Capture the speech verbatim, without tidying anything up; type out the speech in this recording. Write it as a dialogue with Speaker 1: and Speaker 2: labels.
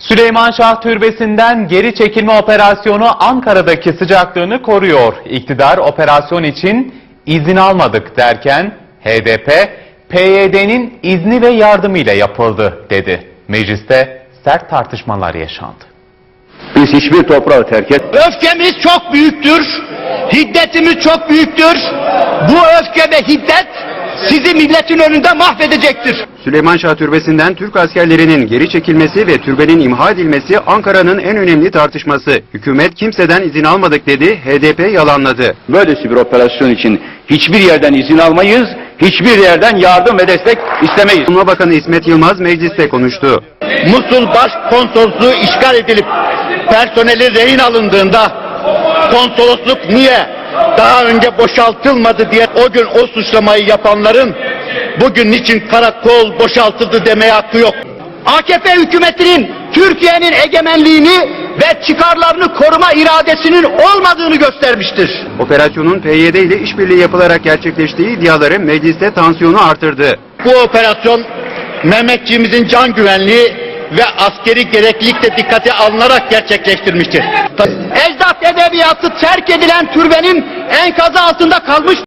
Speaker 1: Süleyman Şah Türbesi'nden geri çekilme operasyonu Ankara'daki sıcaklığını koruyor. İktidar operasyon için izin almadık derken H D P, P Y D'nin izni ve yardımıyla yapıldı dedi. Mecliste sert tartışmalar yaşandı.
Speaker 2: Biz hiçbir toprağı terk et.
Speaker 3: Öfkemiz çok büyüktür, hiddetimiz çok büyüktür. Bu öfke ve hiddet sizi milletin önünde mahvedecektir.
Speaker 2: Süleyman Şah Türbesi'nden Türk askerlerinin geri çekilmesi ve türbenin imha edilmesi Ankara'nın en önemli tartışması. Hükümet kimseden izin almadık dedi, H D P yalanladı.
Speaker 4: Böylesi bir operasyon için hiçbir yerden izin almayız, hiçbir yerden yardım ve destek istemeyiz.
Speaker 2: Savunma Bakanı İsmet Yılmaz mecliste konuştu.
Speaker 3: Musul Başkonsolosluğu işgal edilip personeli rehin alındığında konsolosluk niye daha önce boşaltılmadı diye o gün o suçlamayı yapanların bugün niçin karakol boşaltıldı demeye hakkı yok. A K P hükümetinin Türkiye'nin egemenliğini ve çıkarlarını koruma iradesinin olmadığını göstermiştir.
Speaker 2: Operasyonun P Y D ile işbirliği yapılarak gerçekleştiği iddiaları mecliste tansiyonu artırdı.
Speaker 3: Bu operasyon Mehmetçiğimizin can güvenliği ve askeri gereklilik de dikkate alınarak gerçekleştirmiştir. Ecdat edebiyatı terk edilen türbenin enkazı altında kalmış